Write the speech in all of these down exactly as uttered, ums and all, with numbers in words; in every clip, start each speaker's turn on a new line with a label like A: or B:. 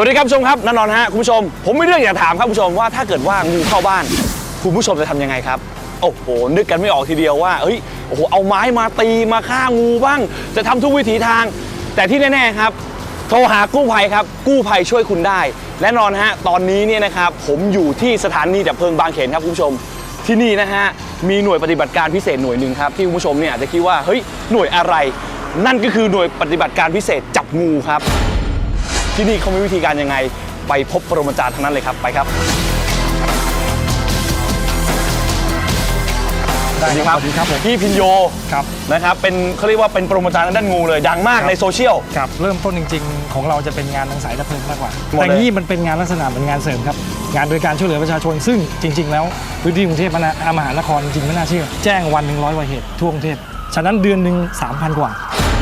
A: ดีครับผู้ชมครับแน่นอนฮะคุณผู้ชมผมมีเรื่องอยากถามครับคุณผู้ชมว่าถ้าเกิดว่างูเข้าบ้านคุณผู้ชมจะทำยังไงครับโอ้โหนึกกันไม่ออกทีเดียวว่าเอ้ยโอ้โหเอาไม้มาตีมาฆ่างูบ้างจะทำทุกวิถีทางแต่ที่แน่ๆครับโทรหากู้ภัยครับกู้ภัยช่วยคุณได้แน่นอนฮะตอนนี้เนี่ยนะครับผมอยู่ที่สถานีดับเพลิงบางเขนครับคุณผู้ชมที่นี่นะฮะมีหน่วยปฏิบัติการพิเศษหน่วยหนึ่งครับที่คุณผู้ชมเนี่ยอาจจะคิดว่าเฮ้ยหน่วยอะไรนั่นก็คือหน่วยปฏิบัติการพิเศษจับงูครับที่นี่เขามีวิธีการยังไงไปพบปรมาจารย์ทั้งนั้นเลยครับไปครับสวัสดีครับพี่พินโยครับนะครับเป็นเขาเรียกว่าเป็นปรมาจารย์ด้านงูเลยดังมากในโซเชียล
B: ครับเริ่มต้นจริงๆของเราจะเป็นงานทางสายดับเพลิงมากกว่าแต่นี่มันเป็นงานลักษณะเป็นงานเสริมครับงานโดยการช่วยเหลือประชาชนซึ่งจริงๆแล้วพื้นที่กรุงเทพมหานครจริงๆไม่น่าเชื่อแจ้งวันหนึ่งร้อยกว่าเหตุทั่วกรุงเทพฉะนั้นเดือนหนึ่งสามพันกว่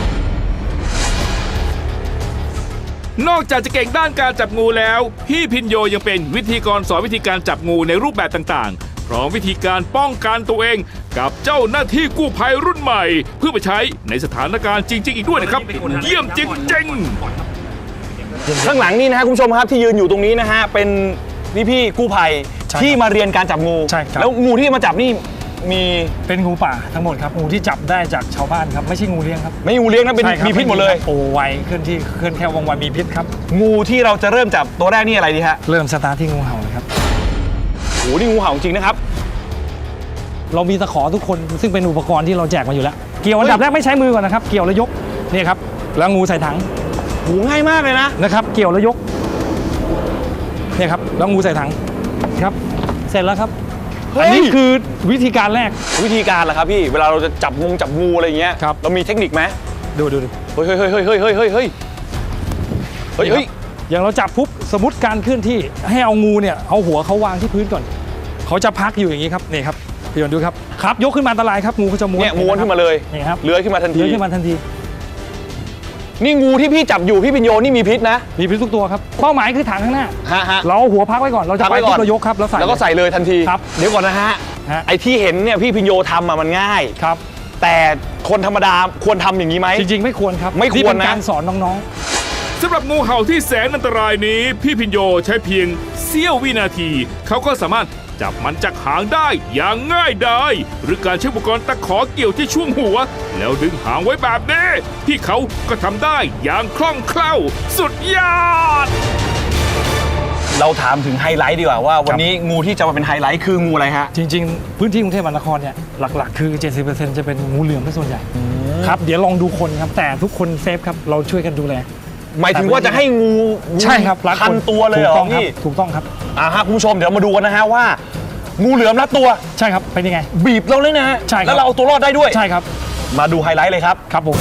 C: านอกจากจะเก่งด้านการจับงูแล้วพี่พินโยยังเป็นวิธีกรสอนวิธีการจับงูในรูปแบบต่างๆพร้อมวิธีการป้องกันตัวเองกับเจ้าหน้าที่กู้ภัยรุ่นใหม่เพื่อไปใช้ในสถานการณ์จริงๆอีกด้วยนะครับเยี่ยมจริง
A: ๆข้างหลังนี่นะฮะคุณผู้ชมครับที่ยืนอยู่ตรงนี้นะฮะเป็นพี่ๆกู้ภัยที่มาเรียนการจับงูแล้วงูที่มาจับนี่มี
B: เป็นงูป่าทั้งหมดครับงูที่จับได้จากชาวบ้านครับไม่ใช่งูเลี้ยงครับ
A: ไม่งูเลี้ยงนะเป็นมีพิษหมดเลย
B: โอ้ไวเคลื่อนที่เคลื่อนแค่วงไวมีพิษครับ
A: งูที่เราจะเริ่มจับตัวแรกนี่อะไรดีฮะ
B: เริ่มสตาร์ทที่งูเห่าเลยครับ
A: โอ้นี่งูเห่าจริงนะครับ
B: เรามีตะขอทุกคนซึ่งเป็นอุปกรณ์ที่เราแจกมาอยู่แล้วเกี่ยวอันดับแรกไม่ใช้มือก่อนนะครับเกี่ยวแล้วยกนี่ครับแล้วงูใส่ถัง
A: โหง่ายมากเลยนะ
B: นะครับเกี่ยวแล้วยกนี่ครับแล้วงูใส่ถังครับเสร็จแล้วครับอันนี้คือวิธีการแรก
A: วิธีการเหรอครับพี่เวลาเราจะจับงูจับงูอะไรอย่างเงี้ยเรามีเทคนิคไหม
B: ดูดูดู
A: เฮ้ยเฮ้ยเฮ้ยเฮ้ยเฮ้ยเฮ้ยเฮ้ยเฮ้ยเฮ้ยเฮ้ย
B: อย่างเราจับปุ๊บสมมติการเคลื่อนที่ให้เอางูเนี่ยเอาหัวเขาวางที่พื้นก่อนเขาจะพักอยู่อย่างนี้ครับนี่ครับพี่ยนดูครับครับยกขึ้นมาอันตรายครับงูเขาจะม้วน
A: เนี่ยม้วนขึ้นมาเลย
B: นี่ครับ
A: เลื้อยขึ้นมาทันที
B: เลื้อยขึ้นมาทันที
A: นี่งูที่พี่จับอยู่พี่พินโยนี่มีพิษนะ
B: มีพิษทุกตัวครับเป้าหมายคือถังข้างหน้า
A: ฮะฮะ
B: เราหัวพักไว้ก่อนเราจะไปเรายกครับแล้วใส่
A: แล้วก็ใส่เลยทันที
B: ครับ
A: เดี๋ยวก่อนนะฮะไอ้ที่เห็นเนี่ยพี่พินโยทำอะมันง่าย
B: ครับ
A: แต่คนธรรมดาควรทำอย่างนี้ไหม
B: จริงๆไม่ควรครับ
A: ไม่ควรนะ
B: การสอนน้อง
C: ๆสำหรับงูเห่าที่แสนอันตรายนี้พี่พินโยใช้เพียงเสี้ยววินาทีเขาก็สามารถจับมันจากหางได้อย่างง่ายดายหรือการใช้อุปกรณ์ตะขอเกี่ยวที่ช่วงหัวแล้วดึงหางไว้แบบนี้พี่เขาก็ทำได้อย่างคล่องแคล่วสุดยอด
A: เราถามถึงไฮไลท์ดีกว่าว่าวันนี้งูที่จะมาเป็นไฮไลท์คืองูอะไรฮะ
B: จริงๆพื้นที่กรุงเทพมหานครเนี่ยหลักๆคือ เจ็ดสิบเปอร์เซ็นต์ จะเป็นงูเหลือมเป็นส่วนใหญ่ครับเดี๋ยวลองดูคนครับแต่ทุกคนเซฟครับเราช่วยกันดูแล
A: หมายถึงว่าจะให้งู
B: ใช่ครับ
A: พันตัวเลยเหรอพี่
B: ถูกต้องครับ
A: อ่าฮะคุณผู้ชมเดี๋ยวมาดูกันนะฮะว่างูเหลือมรัดตัว
B: ใช่ครับเป็นยังไง
A: บีบเราเลยนะฮะ
B: ใช่
A: แล้วเราเอาตัวรอดได้ด้วย
B: ใช่ครับ
A: มาดูไฮไลท์เลยครับ
B: ครับผม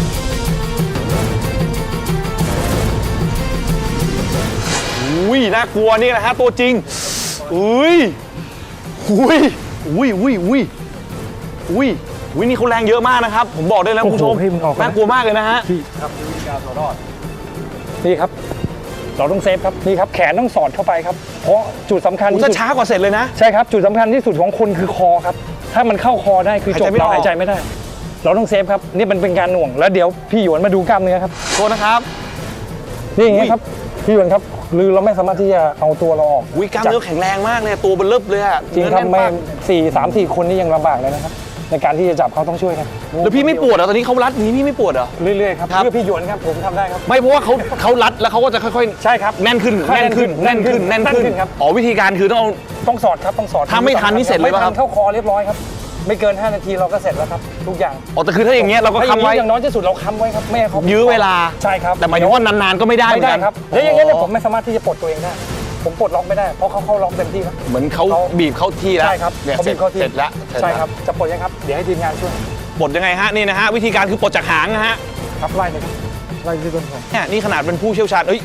A: อุ้ยน่ากลัวนี่นะฮะตัวจริงอุ้ยอุ้ยอุ้ยอุ้ยอุ้ยอุ้ยอุ้ยนี่เขาแรงเยอะมากนะครับผมบอกได้แล้วคุณผู้ชมน่ากลัวมากเลยนะฮะ
B: พี่ครับวิธีการเอารอดนี่ครับเราต้องเซฟครับนี่ครับแขนต้องสอดเข้าไปครับเพราะจุดสำคัญที่สุด
A: ช้ากว่าเสร็จเลยนะ
B: ใช่ครับจุดสำคัญที่สุดของคนคือคอครับถ้ามันเข้าคอได้คือจบเราหายใจไม่ได้เราต้องเซฟครับนี่มันเป็นการหน่วงแล้วเดี๋ยวพี่หยวนมาดูกล้ามเนื้อครับ
A: โทษนะครับ
B: นี่อย่างเงี้ยครับพี่หยวนครับหรือเราไม่สามารถที่จะเอาตัวเราออก
A: วิกล้ามเนื้อแข็งแรงมากเลยตัวเบลล์เลยอะ
B: จริงครับไม่สี่สามสี่คนนี่ยังลำบากเลยนะครับในการที่จะจับเขาต้องช่วยกัน
A: แล้วพี่ไม่ปวดเหรอตอนนี้เขารัดนี้พี่ไม่ปวดเหรอ
B: เรื่อยๆครับเพื่อพี่หยวนครับผมทำได้ครับ
A: ไม่เพราะว่าเขาเขารัดแล้วเขาก็จะค่อยๆ
B: ใช่ครับ
A: แน่นขึ้นแน่นขึ้นแน่นขึ้นแน่นขึ้น
B: ครับ
A: อ๋อวิธีการคือต้อง
B: ต้องสอดครับต้องสอด
A: ถ้าไม่ทันนี่เสร็จเลยป่ะครับ
B: เข้าคอเรียบร้อยครับไม่เกินห้านาทีเราก็เสร็จแล้วครับทุกอย่าง
A: อ๋อแต่คือถ้าอย่างเงี้ยเราก็ค้ำไว้
B: อย่างน้อยที่สุดเราค้ำไว้ครับไม่ให้เขา
A: ยื้อเวลา
B: ใช่ครับ
A: แต่หมายถึงว่านานๆก็ไม่ได้
B: ไม่ได้ครับแล้วอย่างเงี้ยผมไม่สามารถที่จะปลดตัวเองได้ผมปลดล็อกไม่ได้เพราะเขาเข้าล็อกเต็มที่ครับ
A: เหมือนเขาบีบเข้าที่แล้ว
B: ใช่ครับ
A: เขาบีบเข้าที่เสร็จแล้ว
B: ใช่ครับจะปลดยังครับเดี๋ยวให้ทีมงานช่วย
A: ปลดยังไงฮะนี่นะฮะวิธีการคือปลดจากหางนะฮะ
B: ครับไล่เลยครับไล่ที่ต้นคอ
A: เนี่ยนี่ขนาดเป็นผู้เชี่ยวชาญเอ้ย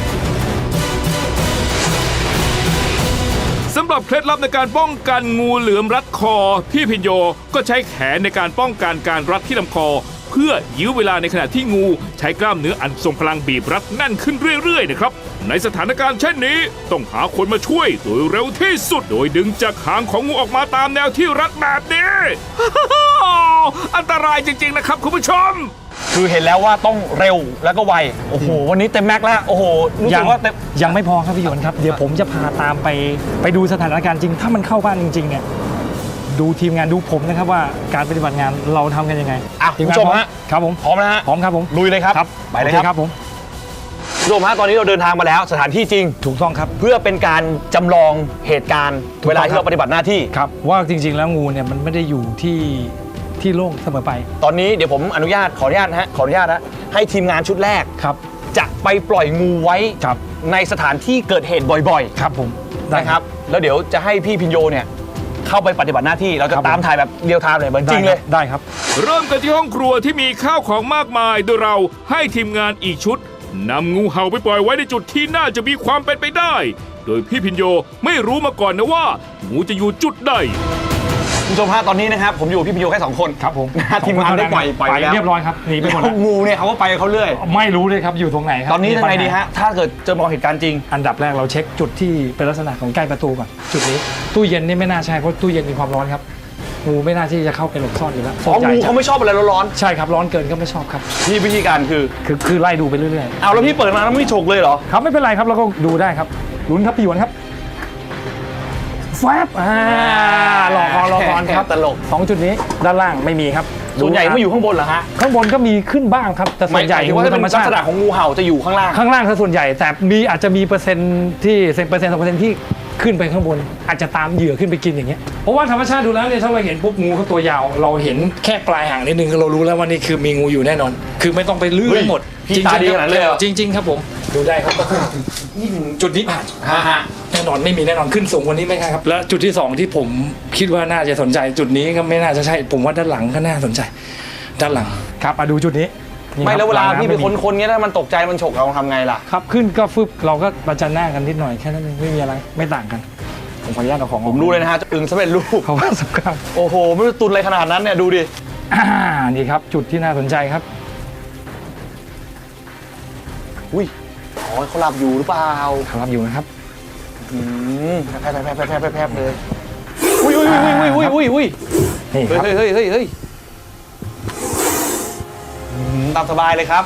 C: สำหรับเคล็ดลับในการป้องกันงูเหลือมรัดคอพี่พินโยก็ใช้แขนในการป้องกันการรัดที่ลำคอเพื่อยื้อเวลาในขณะที่งูใช้กล้ามเนื้ออันทรงพลังบีบรัดแน่นขึ้นเรื่อยๆนะครับในสถานการณ์เช่นนี้ต้องหาคนมาช่วยโดยเร็วที่สุดโดยดึงจากหางของงูออกมาตามแนวที่รัดแบบนี้อันตรายจริงๆนะครับคุณผู้ชม
A: คือเห็นแล้วว่าต้องเร็วแล้วก็ไวโอ้โหวันนี้เต็มแม็กซ์แล้วโอ้โหรู้สึกว่าเต็ม
B: ยังไม่พอครับพี่หยวนครับเดี๋ยวผมจะพาตามไปไปดูสถานการณ์จริง ถ้ามันเข้าบ้านจริงๆเนี่ยดูทีมงานดูผมนะครับว่าการปฏิบัติงานเราทำกันยังไง
A: อ่ะ
B: ที
A: คุณ
B: งาน
A: ผู้ชม
B: พร้อ
A: ฮะ
B: ครับผม
A: พร้อมนะฮะ
B: พร้อมครับผม
A: ลุยเลยครับ
B: ครับ
A: ไปเลย
B: โอ
A: ครับ
B: ครับผม
A: คุณผู้ชมฮะตอนนี้เราเดินทางมาแล้วสถานที่จริง
B: ถูกต้องครับ
A: เพื่อเป็นการจำลองเหตุการณ์
B: ถูกต้อง
A: เวลาที่เราปฏิบัติหน้าที่
B: ครับว่าจริงๆแล้วงูเนี่ยมันไม่ได้อยู่ที่ที่โล่งเสมอไป
A: ตอนนี้เดี๋ยวผมอนุญาตขออนุญาตนะฮะขออนุญาตนะให้ทีมงานชุดแรก
B: ครับ
A: จะไปปล่อยงูไว้
B: ครับ
A: ในสถานที่เกิดเหตุบ่อย
B: ครับผม
A: ๆนะครับแล้วเดี๋ยวจะให้พี่พินโยเนี่ยเข้าไปปฏิบัติหน้าที่เราจะ
B: ครับผม
A: ตามถ่ายแบบเรียลไทม์เลยเหมือนจริงเลย
B: ได้ครับ
C: เริ่มกันที่ห้องครัวที่มีข้าวของมากมาย โดยเราให้ทีมงานอีกชุดนำงูเห่าไปปล่อยไว้ในจุดที่น่าจะมีความเป็นไปได้ โดยพี่พินโยไม่รู้มาก่อนนะว่างูจะอยู่จุดใด
A: คุณผู้ชมฮะตอนนี้นะครับผมอยู่กับพี่พินโยแค่สองคน
B: ครับผม
A: นะฮะทีมงานได้ปล่อยปล่อย
B: ไป
A: ไปแล้ว
B: เรียบร้อยครับหนีไปหมด
A: แล้
B: แล้ว ว
A: งูเนี่ยเขาก็ไปเขาเรื่อย
B: ไม่รู้เลยครับอยู่ตรงไหนครับ
A: ตอนนี้
B: มี
A: ยังไง
B: ปัญหา
A: ดีฮะถ้าเกิดเจอมองเหตุการณ์จริง
B: อันดับแรกเราเช็คจุดที่เป็นลักษณะของใกล้ประตูก่อนจุดนี้ตู้เย็นนี่ไม่น่าใช่เพราะตู้เย็นมีความร้อนครับงูไม่น่าที่จะเข้าไปหลบซ่อนอยู่แล้ว
A: อ๋อ
B: ส่วนใหญ่
A: งู
B: จะ
A: เขาไม่ชอบอะไรร้อน
B: ใช่ครับร้อนเกินก็ไม่ชอบครับ
A: ๆพี่วิธีการคือ
B: คือคือไล่ดูไปเรื่อย
A: เอาแล้วพี่เปิดมาแล้วไม่ฉกเลยเหรอ
B: ๆครับไม่เป็นไรครับเราก็ดูได้ครับลุ้นครับพี่หยวนครับแฟบอ่าหลอกก่อนหลอกก่อนครับ
A: ตลก
B: สองจุดนี้ด้านล่างไม่มีครับ
A: ส่วนใหญ่ไม่อยู่ข้างบนเหรอฮะ
B: ข้างบนก็มีขึ้นบ้างครับแต่ส่วนใหญ่
A: หมายถึงว่าถ้า
B: ธร
A: เป็น
B: รม
A: ลัก
B: ชา
A: ษ
B: ติ
A: ณะของงูเห่าจะอยู่ข้างล่าง
B: ข้างล่างซะส่วนใหญ่แต่มีอาจจะมีเปอร์เซ็นต์ที่เปอร์เซ็นต์สองเปอร์เซ็นต์ที่ขึ้นไปข้างบน อาจจะตามเหยื่อขึ้นไปกินอย่างเงี้ยเพราะว่าธรรมชาติดูแล้วเนี่ยถ้าเราเห็นปุ๊บงูเขาตัวยาว เราเห็นแค่ปลายหางนิดนึงเรารู้แล้วว่านี่คือมีงูอยู่แน่นอน คือไม่ต้องไปลื้อ
A: เฮ้ย
B: หมด
A: พี่ตาดีขนาดนั้นเลยเหรอ
B: จริงๆครับผมดูได้ครับจุดนี้ผ่าน
A: ฮะฮะ
B: แน่นอนไม่มีแน่นอนขึ้นสูงกว่านี้ไม่ใช่ครับและจุดที่สองที่ผมคิดว่าน่าจะสนใจจุดนี้ก็ไม่น่าจะใช่ผมว่าด้านหลังก็น่าสนใจ ด้านหลังครับมาดูจุดนี้นี่
A: ไม่
B: ครับ
A: แล้วเวลา
B: หงำ
A: พี่ไป
B: ม่มี
A: ค้นๆเงี้ยถ้ามันตกใจมันฉกเราทำไงล่ะ
B: ครับขึ้นก็ฟึบเราก็ประจันหน้ากันนิดหน่อยแค่นั้นเองไม่มีอะไรไม่ต่างกันผมขออนุญาตเอาของ
A: ผมรู้เลยนะฮะอึ่งสำเร็จรูป
B: เขาว่าสำคัญ
A: โอ้โหไม่รู้ตุนอะไรขนาดนั้นเนี่ยดูดิ
B: อ่านี่ครับจุดที่น่าสนใจครับ
A: อุ้ยอ๋อเขาหลับอยู่หรือเปล่า
B: ครับอยู่นะครับ
A: อืมแพบแพบแพบแพบแพบแพบแพบเลยอุ้ยอุ้ยอุ้ยอุ้ยอุ้ยอุ้ยอุ้ย
B: นี่ค
A: เฮ้ย
B: รับ
A: เฮ้ยเฮ้ยเฮ้ยเฮ้ยอืมตามสบายเลยครับ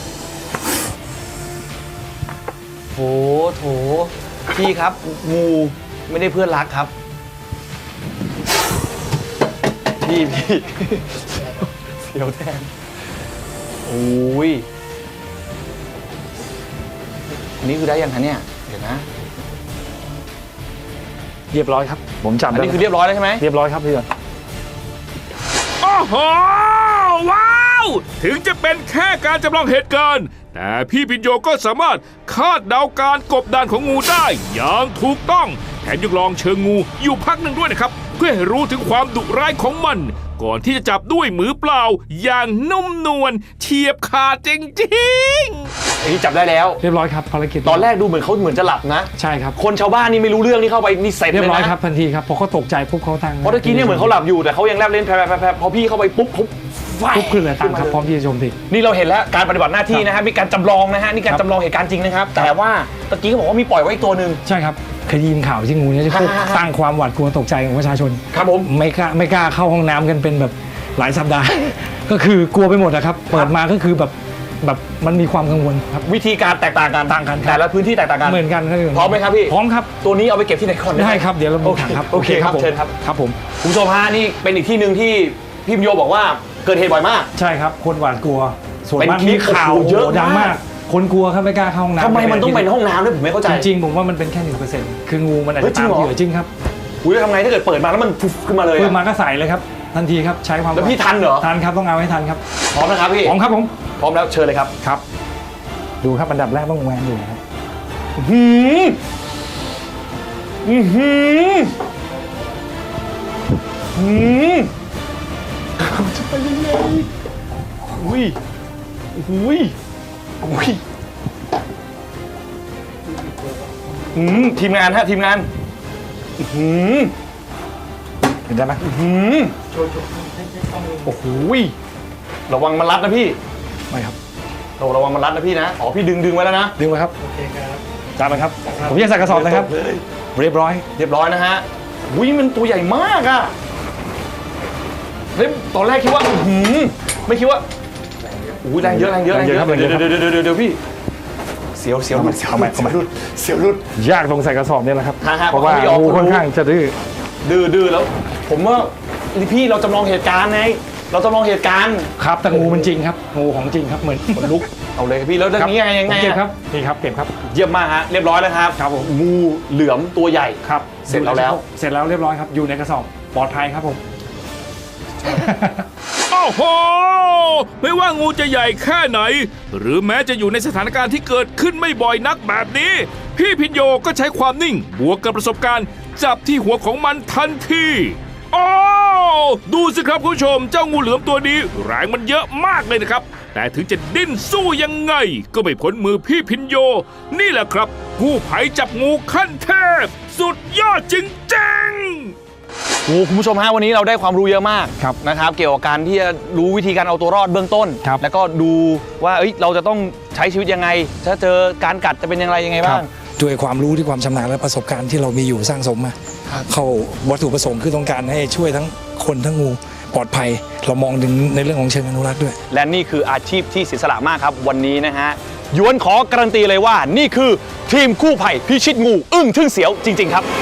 A: โถโถพี่ครับงูไม่ได้เพื่อนรักครับพี่พี่เสียวแทนโอ้ยอันนี้คือได้ยังคะเนี่ยเดี๋ยวนะ
B: เรียบร้อยครับผมจับ
A: อัน
B: ได้
A: นี้คือเรียบร้อยแล้วใช่ไหม
B: เรียบร้อยครับพี่หยวน
C: โอ้โห ว้าว ถึงจะเป็นแค่การจำลองเหตุการณ์ แต่พี่พินโยก็สามารถคาดเดาการกบดานของงูได้อย่างถูกต้อง แถมยังลองเชิงงูอยู่พักหนึ่งด้วยนะครับ เพื่อให้รู้ถึงความดุร้ายของมัน ก่อนที่จะจับด้วยมือเปล่า อย่างนุ่มนวลเฉียบขาดจริงๆ
A: อันนี้จับได้แล้ว
B: เรียบร้อยครับภารกิจ
A: ตอนแรกดูเหมือนเขาเหมือนจะหลับนะ
B: ใช่ครับ
A: คนชาวบ้านนี่ไม่รู้เรื่องนี่เข้าไปนี่เสร็จ
B: เรีย
A: เลย
B: บร้อย
A: นะครับ
B: ทันทีครับพอเขาตกใจปุ๊บเขาทาง
A: เพราะตะกี้เนี่ยเหมือนเขาหลับอยู่แต่เขายังแลบเล่นแผลๆๆพอพี่เข้าไปปุ๊บปุ๊บ
B: ปุ๊บขึ้นเลยตามครับพร้อมที่จะโจมตี
A: นี่เราเห็นแล้วการปฏิบัติหน้าที่นะฮะมีการจำลองนะฮะนี่การ
B: ครับ
A: จำลองเหตุการณ์จริงนะครับ แต่ว่าตะกี้เขาบอกว่ามีปล่อยไว้อีกตัวหนึ่ง
B: ใช่ครับเคยได้ยินข่าวที่งูเนี่ยจะพวก
A: ฮ่าๆๆ
B: สร้างความหวาดกลัวตกใจของประชาชน
A: ครับผม
B: ไม่กล้าไม่กล้าเข้าห้องน้ำกันเป็นแบบหลายสัปดาห์ ก็คือกลัวไปหมดนะครับ เปิดมาก็คือแบบแบบมันมีความกังวลครับ
A: วิธีการแตกต่างกัน
B: ต่างกันครับ
A: แต่ละพื้นที่แตกต่างกัน
B: เหมือนกันครับ
A: พร้อมไหมครับพี่
B: พร้อมครับ
A: ตัวนี้เอาไปเก็บที่ไหนก่อน
B: ได้ครับเดี๋ยวเราดูถังครับ
A: โอเคครับ
B: ผม
A: เชิญครับ
B: ครับผม
A: คุณผู้ชมฮะนี่เป็นอีกที่หนึ่งที่พี่พิมโยบอกว่าเกิดเหตุบ่อยมาก
B: ใช่ครับคนหวาดกลัว ส่วน
A: เป็น
B: มาก
A: คลิ
B: มี
A: ป
B: ข่าว
A: โอ้โหเยอะ
B: โโหดัง
A: มาม
B: าก ก คนกลัวครับไม่กล้าเข้าห้องน้ำ
A: ทำไมมันต้องเป็นห้องน้ำด้วยผมไม่เข้าใจ
B: จริงๆผมว่ามันเป็นแค่หนึ่งเปอร์เซ็นต์คืองูมันอาจ
A: เฮ้ย
B: จะ
A: จริ
B: ตาง ม
A: เหรอ
B: เหยื่อจริงครับ
A: อุ้ยแล้วทำไงถ้าเกิดเปิดมาแล้วมันฟุบขึ้นมาเลย
B: เปิด
A: อะ
B: มาก็ใส่เลยครับทันทีครับใช้ความ
A: แล้วพี่ทันเหรอ
B: ทันครับต้องเอาให้ทันครับ
A: พร้อมนะครับพี่
B: พร้อมครับผม
A: พร้อมแล้วเชิญเลยครับ
B: ครับ ดูครับอันดับแรกต้องแหวนอยู่นะครับ
A: หืมอือหือหืมจะไปยังไงอุ้ยอุ้ยอุ้ยอืมทีมงานฮะทีมงานอื้อหือ
B: เห็นได้ไหม
A: หืมโอ้โหระวังมันรัดนะพี่
B: ไม่ครับ
A: โอ้ระวังมันรัดนะพี่นะอ๋อพี่ดึงดึงไว้แล้วนะ
B: ดึงไว้ครับจานไปครับ ผมยังใส่กระสอบนะครับ เรียบร้อย
A: เรียบร้อยนะฮะอุ้ยมันตัวใหญ่มากอะฮ้ยตอนแรกคิดว่าอื้อหือไม่คิดว่าอู้แรงเยอะแรงเยอะแรงเยอะ
B: แรงเยอะครับ
A: เดี๋ยวเดี๋ยวเดี๋ยวเดี๋ยวพี่เสียวเสียวหลุดเสียวหลุดเสียวหลุดเสียวหลุด
B: ยากตรงใส่กระสอบเนี่ยแหละครับ
A: ฮะฮะ
B: เพราะว่า
A: เพราะเขาไม่ยอม
B: งูค่อนข้างจะดื้อ
A: ดื้อดื้อแล้ว ผมว่าพี่เราจำลองเหตุการณ์ไงเราจำลองเหตุการณ์
B: ครับแต่งูมันจริงครับงูของจริงครับเหมือนขนลุก
A: เอาเลยพี่แล้วเรื่องนี้ยังไงยังไง
B: ผมเก็บครับนี่ครับเก็บครับ
A: เยี่ยมมากฮะเรียบร้อยแล้วครับ
B: ครับผม
A: งูเหลือมตัวใหญ่
B: ครับ
A: เสร็จแล้วแล้ว
B: เสร็จแล้วเรียบร้อยครับอยู่ในกระสอบปลอดภัยครับผม
C: โอ้โห ไม่ว่างูจะใหญ่แค่ไหน หรือแม้จะอยู่ในสถานการณ์ที่เกิดขึ้นไม่บ่อยนักแบบนี้ พี่พินโยก็ใช้ความนิ่ง บวกกับประสบการณ์ จับที่หัวของมันทันทีโอ้ดูสิครับคุณผู้ชม เจ้างูเหลือมตัวนี้แรงมันเยอะมากเลยนะครับ แต่ถึงจะดิ้นสู้ยังไง ก็ไม่พ้นมือพี่พินโย นี่แหละครับกู้ภัยจับงูขั้นเทพ สุดยอดจริงๆ
A: โอ้คุณผู้ชมฮะวันนี้เราได้ความรู้เยอะมาก
B: ครับ
A: นะครับเกี่ยวกับการที่จะรู้วิธีการเอาตัวรอดเบื้องต้น
B: ครับ
A: แล้วก็ดูว่าเอ้ยเราจะต้องใช้ชีวิตยังไง ถ้าเจอการกัดจะเป็นอย่างไรยังไงบ้าง
D: ด้วยความรู้ที่ความชำนาญและประสบการณ์ที่เรามีอยู่สร้างสมมาเข้าวัตถุประสงค์คือต้องการให้ช่วยทั้งคนทั้งงูปลอดภัย เรามองถึงในเรื่องของเชิงอนุรักษ์ด้วย
A: และนี่คืออาชีพที่เสียสละมากครับ วันนี้นะฮะหยวนขอการันตีเลยว่านี่คือทีมกู้ภัยพิชิตงูอึ้งทึ่งเสียวจริง ๆ ครับ